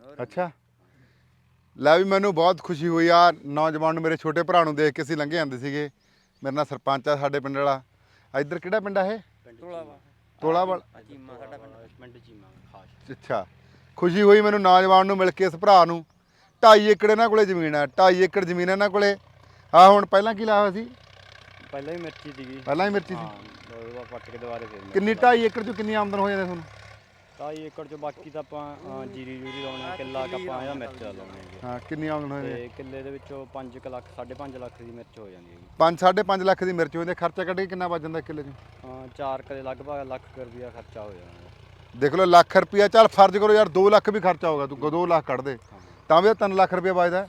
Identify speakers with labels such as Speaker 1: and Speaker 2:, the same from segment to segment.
Speaker 1: ਅੱਛਾ ਲੈ ਵੀ ਮੈਨੂੰ ਬਹੁਤ ਖੁਸ਼ੀ ਹੋਈ ਆ ਨੌਜਵਾਨ ਨੂੰ, ਮੇਰੇ ਛੋਟੇ ਭਰਾ ਨੂੰ ਦੇਖ ਕੇ ਅਸੀਂ ਲੰਘੇ ਜਾਂਦੇ ਸੀਗੇ। ਮੇਰੇ ਨਾਲ ਸਰਪੰਚ ਆ ਸਾਡੇ ਪਿੰਡ ਵਾਲਾ। ਇੱਧਰ ਕਿਹੜਾ ਪਿੰਡ ਆ ਇਹ? ਤੋਲਾਵਾਲ।
Speaker 2: ਚੀਮਾ ਸਾਡਾ ਪਿੰਡ ਚੀਮਾ ਖਾਸ।
Speaker 1: ਅੱਛਾ ਖੁਸ਼ੀ ਹੋਈ ਮੈਨੂੰ ਨੌਜਵਾਨ ਨੂੰ ਮਿਲ ਕੇ, ਇਸ ਭਰਾ ਨੂੰ। 2.5 ਏਕੜ ਇਹਨਾਂ ਕੋਲੇ ਜ਼ਮੀਨ ਆ, 2.5 ਏਕੜ ਜ਼ਮੀਨ ਇਹਨਾਂ ਕੋਲੇ। ਆ ਹੁਣ ਪਹਿਲਾਂ ਕੀ ਲਾਇਆ ਹੋਇਆ ਸੀ?
Speaker 2: ਪਹਿਲਾਂ ਹੀ ਮਿਰਚੀ ਸੀਗੀ।
Speaker 1: ਪਹਿਲਾਂ ਹੀ ਮਿਰਚੀ ਸੀ।
Speaker 2: ਹਾਂ ਪੱਟ ਕੇ ਦੁਬਾਰੇ ਫੇਰ
Speaker 1: ਕਿੰਨੀ 2.5 ਏਕੜ ਚੋਂ ਕਿੰਨੀ ਆਮਦਨ ਹੋ ਜਾਂਦੀ ਤੁਹਾਨੂੰ?
Speaker 2: 2.5 ਏਕੜ ਚੋਂ ਬਾਕੀ ਤਾਂ ਆਪਾਂ ਜੀਰੀ ਜੂਰੀ ਲਾਉਣੇ ਆ, ਕਿੱਲਾ ਆਪਾਂ ਇਹਦਾ ਮਿਰਚ ਦਾ ਲਾਉਣੇ ਹੈਗੇ।
Speaker 1: ਹਾਂ ਕਿੰਨੀ ਆਮਦਨ ਹੋ ਜਾਂਦੀ?
Speaker 2: ਤੇ ਕਿੱਲੇ ਦੇ ਵਿੱਚੋਂ 5 ਲੱਖ 5.5 ਲੱਖ ਦੀ ਮਿਰਚ ਹੋ ਜਾਂਦੀ ਹੈਗੀ।
Speaker 1: 5.5 ਲੱਖ ਦੀ ਮਿਰਚ ਹੋ ਜਾਂਦੀ। ਖਰਚਾ ਕੱਢ ਕੇ ਕਿੰਨਾ ਬਚ ਜਾਂਦਾ ਕਿੱਲੇ 'ਚ?
Speaker 2: 4 ਕਿੱਲੇ ਲਗਭਗ ਲੱਖ ਰੁਪਇਆ ਖਰਚਾ ਹੋ ਜਾਂਦਾ।
Speaker 1: ਦੇਖ ਲਓ ਲੱਖ ਰੁਪਇਆ, ਚੱਲ ਫਰਜ਼ ਕਰੋ ਯਾਰ 2 ਲੱਖ ਵੀ ਖਰਚਾ ਹੋਗਾ, ਤੂੰ 2 ਲੱਖ ਕੱਢ ਦੇ ਤਾਂ ਵੀ 3 ਲੱਖ ਰੁਪਇਆ ਬਚਦਾ।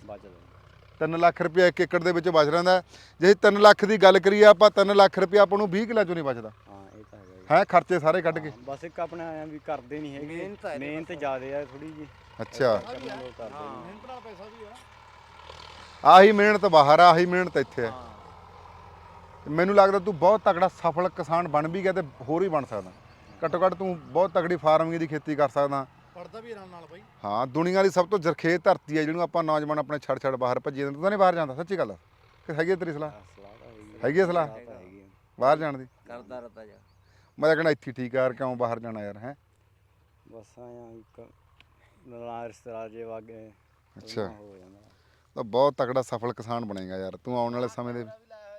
Speaker 1: 3 ਲੱਖ ਰੁਪਇਆ 1 ਏਕੜ ਦੇ ਵਿੱਚ ਬਚ ਰਹਿੰਦਾ। ਜੇ 3 ਲੱਖ ਦੀ ਗੱਲ ਕਰੀਏ ਆਪਾਂ, 3 ਲੱਖ ਰੁਪਇਆ ਆਪਾਂ ਨੂੰ 20 ਕਿੱਲਿਆਂ ਚੋਂ ਨਹੀਂ ਬਚਦਾ।
Speaker 2: ਹਾਂ ਇਹ ਤਾਂ ਹੈਗਾ
Speaker 1: ਹੈ ਖਰਚੇ ਸਾਰੇ ਕੱਢ ਕੇ।
Speaker 2: ਬਸ ਇੱਕ ਆਪਣੇ ਆਇਆ ਵੀ ਕਰਦੇ ਨਹੀਂ ਹੈਗੇ, ਮਿਹਨਤ ਜ਼ਿਆਦੇ ਆ ਥੋੜੀ ਜੀ।
Speaker 1: ਅੱਛਾ
Speaker 2: ਮਿਹਨਤ
Speaker 3: ਨਾਲ ਪੈਸਾ ਵੀ ਆ।
Speaker 1: ਆਹੀ ਮਿਹਨਤ ਬਾਹਰ ਆ, ਆਹੀ ਮਿਹਨਤ ਇੱਥੇ ਆ। ਮੈਨੂੰ ਲੱਗਦਾ ਤੂੰ ਬਹੁਤ ਤਕੜਾ ਸਫਲ ਕਿਸਾਨ ਬਣ ਵੀ ਗਿਆ ਤੇ ਹੋਰ ਵੀ ਬਣ ਸਕਦਾ। ਘੱਟੋ ਘੱਟ ਤੂੰ ਬਹੁਤ ਤਕੜੀ ਫਾਰਮਿੰਗ ਦੀ ਖੇਤੀ ਕਰ ਸਕਦਾ।
Speaker 3: ਪੜਦਾ ਵੀ ਨਾਲ ਬਾਈ।
Speaker 1: ਹਾਂ ਦੁਨੀਆ ਦੀ ਸਭ ਤੋਂ ਜ਼ਰਖੇਜ਼ ਧਰਤੀ ਹੈ ਜਿਹਨੂੰ ਆਪਾਂ ਨੌਜਵਾਨ ਆਪਣੇ ਛੱਡ ਬਾਹਰ ਭੱਜੀ ਜਾਂਦੇ। ਤੂੰ ਤਾਂ ਨਹੀਂ ਬਾਹਰ ਜਾਂਦਾ? ਸੱਚੀ ਗੱਲ ਕਿ ਹੈਗੀ ਤੇਰੀ ਸਲਾਹ? ਹੈਗੀ ਸਲਾਹ ਬਾਹਰ ਜਾਣ ਦੀ?
Speaker 2: ਕਰਦਾ ਰਤਾ ਜਾ।
Speaker 1: ਮੈਂ ਤਾਂ ਕਹਿੰਦਾ ਇੱਥੇ ਠੀਕ ਆ ਯਾਰ, ਕਿਉਂ ਬਾਹਰ ਜਾਣਾ ਯਾਰ? ਹੈ
Speaker 2: ਬਸ ਆਇਆ ਇੱਕ ਰਿਸ਼ਤੇਦਾਰ ਜੇ ਵਾਗੇ।
Speaker 1: ਅੱਛਾ
Speaker 2: ਹੋ ਜਾਂਦਾ
Speaker 1: ਤਾਂ ਬਹੁਤ ਤਕੜਾ ਸਫਲ ਕਿਸਾਨ ਬਣੇਗਾ ਯਾਰ ਤੂੰ ਆਉਣ ਵਾਲੇ ਸਮੇਂ ਦੇ।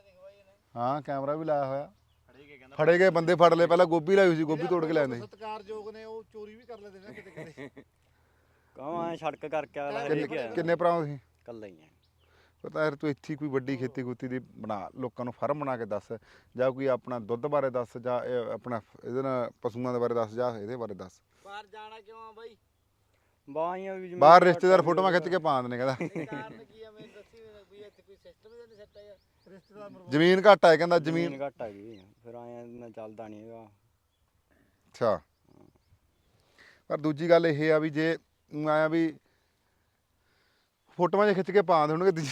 Speaker 1: ਹਾਂ ਕੈਮਰਾ ਵੀ ਲਾਇਆ ਹੋਇਆ। ਫੜੇ ਗਏ ਬੰਦੇ, ਫੜ ਲਏ। ਪਹਿਲਾਂ ਗੋਭੀ ਲਾਈ ਹੋਈ ਸੀ, ਗੋਭੀ ਤੋੜ ਕੇ ਲਿਆਂਦੇ।
Speaker 3: ਸਤਿਕਾਰਯੋਗ ਨੇ, ਉਹ ਚੋਰੀ ਵੀ ਕਰ ਲੈਂਦੇ ਨੇ ਕਿਤੇ ਕਿਤੇ।
Speaker 2: ਕਹਾਂ ਐ ਸੜਕ ਕਰਕੇ ਆਇਆ।
Speaker 1: ਕਿੰਨੇ ਭਰਾ ਤੁਸੀਂ?
Speaker 2: ਕੱਲਾ ਹੀ ਆ।
Speaker 1: ਪਤਾ ਯਾਰ ਤੂੰ ਇੱਥੇ ਕੋਈ ਵੱਡੀ ਖੇਤੀ ਖੂਤੀ ਦੀ ਬਣਾ, ਲੋਕਾਂ ਨੂੰ ਫਾਰਮ ਬਣਾ ਕੇ ਦੱਸ, ਜਾਂ ਕੋਈ ਆਪਣਾ ਦੁੱਧ ਬਾਰੇ ਦੱਸ, ਜਾਂ ਆਪਣਾ ਇਹਦੇ ਨਾਲ ਪਸ਼ੂਆਂ ਦੇ ਬਾਰੇ ਦੱਸ, ਜਾਂ ਇਹਦੇ ਬਾਰੇ ਦੱਸ।
Speaker 3: ਬਾਹਰ ਜਾਣਾ ਕਿਉਂ ਆ ਬਾਈ?
Speaker 2: ਬਾਈਆਂ ਵੀ
Speaker 1: ਬਾਹਰ ਰਿਸ਼ਤੇਦਾਰ ਫੋਟੋਆਂ ਖਿੱਚ ਕੇ ਪਾ ਦਿੰਦੇ ਨੇ। ਕਹਿੰਦਾ
Speaker 3: ਕਾਰਨ ਕੀ ਆ ਮੈਨੂੰ ਦੱਸੀ ਵੀ ਇੱਥੇ ਕੋਈ ਸਿਸਟਮ ਹੀ ਨਹੀਂ ਸੈੱਟ ਆ। ਰਿਸ਼ਤੇਦਾਰ
Speaker 1: ਜ਼ਮੀਨ ਘੱਟ ਹੈ, ਕਹਿੰਦਾ ਜ਼ਮੀਨ
Speaker 2: ਘੱਟ ਹੈਗੀ, ਫਿਰ ਆਇਆ ਨਾ ਚੱਲਦਾ ਨਹੀਂ ਹੈਗਾ।
Speaker 1: ਅੱਛਾ ਪਰ ਦੂਜੀ ਗੱਲ ਇਹ ਆ ਵੀ ਜੇ ਆਇਆ ਵੀ ਫੋਟੋਆਂ 'ਚ ਖਿੱਚ ਕੇ ਪਾ ਦੇਣਗੇ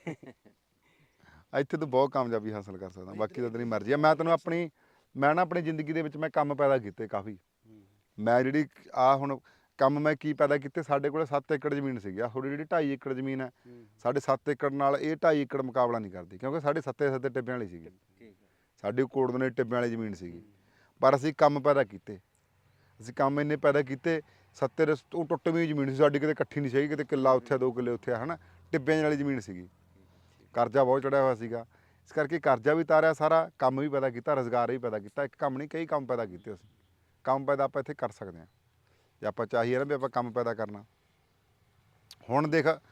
Speaker 1: ਇੱਥੇ ਤੂੰ ਬਹੁਤ ਕਾਮਯਾਬੀ ਹਾਸਲ ਕਰ ਸਕਦਾ। ਬਾਕੀ ਤਾਂ ਤੇਰੀ ਮਰਜ਼ੀ ਆ। ਮੈਂ ਤੈਨੂੰ ਮੈਂ ਨਾ ਆਪਣੀ ਜ਼ਿੰਦਗੀ ਦੇ ਵਿੱਚ ਮੈਂ ਕੰਮ ਪੈਦਾ ਕੀਤੇ ਕਾਫੀ। ਮੈਂ ਜਿਹੜੀ ਹੁਣ ਕੰਮ ਮੈਂ ਕੀ ਪੈਦਾ ਕੀਤੇ, ਸਾਡੇ ਕੋਲ 7 ਏਕੜ ਜ਼ਮੀਨ ਸੀਗੀ। ਥੋੜੀ ਜਿਹੜੀ 2.5 ਏਕੜ ਜ਼ਮੀਨ ਹੈ, ਸਾਡੇ 7 ਏਕੜ ਨਾਲ ਇਹ 2.5 ਏਕੜ ਮੁਕਾਬਲਾ ਨਹੀਂ ਕਰਦੀ, ਕਿਉਂਕਿ ਸਾਡੇ 7 ਟਿੱਬਿਆਂ ਵਾਲੀ ਸੀਗੀ। ਸਾਡੀ ਕੋੜਦਨੇ ਟਿੱਬਿਆਂ ਵਾਲੀ ਜ਼ਮੀਨ ਸੀਗੀ, ਪਰ ਅਸੀਂ ਕੰਮ ਪੈਦਾ ਕੀਤੇ। ਅਸੀਂ ਕੰਮ ਇੰਨੇ ਪੈਦਾ ਕੀਤੇ, 7 ਉਹ ਟੁੱਟਵੀਂ ਜ਼ਮੀਨ ਸੀ ਸਾਡੀ, ਕਿਤੇ ਇਕੱਠੀ ਨਹੀਂ ਸੀਗੀ, ਕਿਤੇ ਕਿੱਲਾ ਉੱਥੇ 2 ਕਿੱਲੇ ਉੱਥੇ ਹੈ ਨਾ, ਟਿੱਬਿਆਂ ਵਾਲੀ ਜ਼ਮੀਨ ਸੀਗੀ। ਕਰਜ਼ਾ ਬਹੁਤ ਚੜਿਆ ਹੋਇਆ ਸੀਗਾ, ਇਸ ਕਰਕੇ ਕਰਜ਼ਾ ਵੀ ਤਾਰਿਆ ਸਾਰਾ, ਕੰਮ ਵੀ ਪੈਦਾ ਕੀਤਾ, ਰੁਜ਼ਗਾਰ ਵੀ ਪੈਦਾ ਕੀਤਾ। ਇੱਕ ਕੰਮ ਨਹੀਂ, ਕਈ ਕੰਮ ਪੈਦਾ ਕੀਤੇ ਅਸੀਂ। ਕੰਮ ਪੈਦਾ ਆਪਾਂ ਇੱਥੇ ਕਰ ਸਕਦੇ ਹਾਂ ਜੇ ਆਪਾਂ ਚਾਹੀਏ ਨਾ ਵੀ ਆਪਾਂ ਕੰਮ ਪੈਦਾ ਕਰਨਾ। ਹੁਣ ਦੇਖ